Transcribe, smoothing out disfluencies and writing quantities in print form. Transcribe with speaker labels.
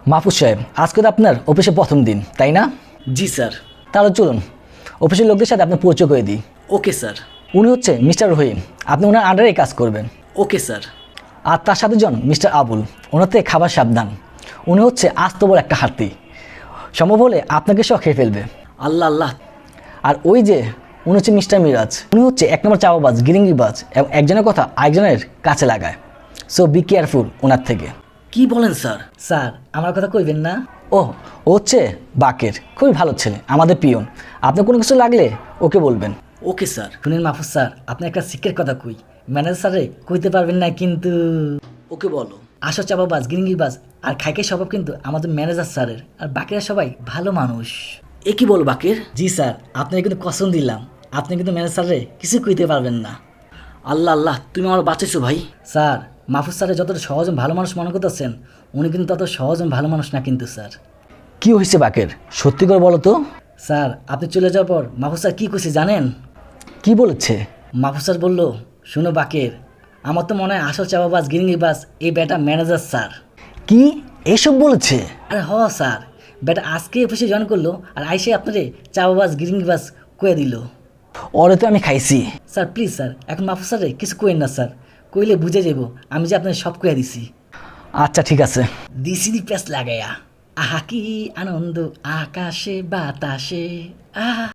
Speaker 1: মাহফুজ সাহেব, আজকে তো আপনার অফিসে প্রথম দিন, তাই না?
Speaker 2: জি স্যার।
Speaker 1: তাহলে চলুন অফিসের লোকদের সাথে আপনার পরিচয় করে দিই।
Speaker 2: Okay sir.
Speaker 1: উনি হচ্ছে মিস্টার রহিম, আপনি ওনার আন্ডারেই কাজ করবেন।
Speaker 2: Okay sir.
Speaker 1: আর তার সাথে জন মিস্টার আবুল, ওনার থেকে খাবার সাবধান। উনি হচ্ছে আস্ত বড় একটা হাতি, সম্ভব হলে আপনাকে সহ খেয়ে ফেলবে।
Speaker 2: আল্লাহ আল্লাহ।
Speaker 1: আর ওই যে উনি হচ্ছে মিস্টার মিরাজ, উনি হচ্ছে এক নম্বর চাওয়াবাজ, গিরিঙ্গিবাজ এবং একজনের কথা আরেকজনের কাছে লাগায়। সো বি কেয়ারফুল ওনার থেকে।
Speaker 2: কি বলেন স্যার?
Speaker 3: স্যার আমার কথা কইবেন না?
Speaker 1: ও হচ্ছে বাকের, খুবই ভালো ছেলে, আমাদের পিয়ন। আপনি কোনো কিছু লাগলে ওকে বলবেন।
Speaker 2: Okay sir.
Speaker 3: শুনেন মাহফুজ স্যার, আপনি একটা সিক্রেট কথা কই, ম্যানেজার স্যারে কইতে পারবেন না কিন্তু।
Speaker 2: ওকে বলো।
Speaker 3: আসো চাপাবাজ, গিরিঙ্গিবাজ আর খাইকে স্বভাব কিন্তু আমাদের ম্যানেজার স্যারের, আর বাকিরা সবাই ভালো মানুষ।
Speaker 2: এ কি বল বাকের?
Speaker 3: জি স্যার, আপনাকে কিন্তু কসম দিলাম, আপনি কিন্তু ম্যানেজার স্যারে কিছু কইতে পারবেন না।
Speaker 2: আল্লাহ আল্লাহ, তুমি আমার বাঁচাইছো ভাই।
Speaker 3: স্যার মাহফুজ স্যারের যতটা সহজ ভালো মানুষ মনে করতেছেন, উনি কিন্তু তত সহজ ভালো মানুষ না কিন্তু স্যার।
Speaker 1: কি হয়েছে বাকের, সত্যি করে বলো তো।
Speaker 3: স্যার আপনি চলে যাওয়ার পর মাহফুজ স্যার কী কইছে জানেন?
Speaker 1: কি বলেছে?
Speaker 3: মাহফুজ স্যার বললো, শুনো বাকের, আমার তো মনে হয় আসল চাপাবাজ গিরিঙ্গিবাজ এই বেটা ম্যানেজার স্যার।
Speaker 1: কি এসব বলেছে?
Speaker 3: আরে হ স্যার, বেটা আজকে অফিসে জয়েন করলো আর আইসে আপনারে চাপাবাজ গিরিঙ্গিবাজ কয়ে দিল।
Speaker 1: ওরে তো আমি খাইছি।
Speaker 3: স্যার প্লিজ স্যার, এখন মাহফুজ স্যারে কিছু কইেন না স্যার, কইলে বুঝে যাব আমি যে আপনার সব কয়ে দিছি।
Speaker 1: আচ্ছা ঠিক আছে।
Speaker 3: দিসিনি প্যাস লাগাইয়া, আহা কি আনন্দ আকাশে বাতাসে, আহা।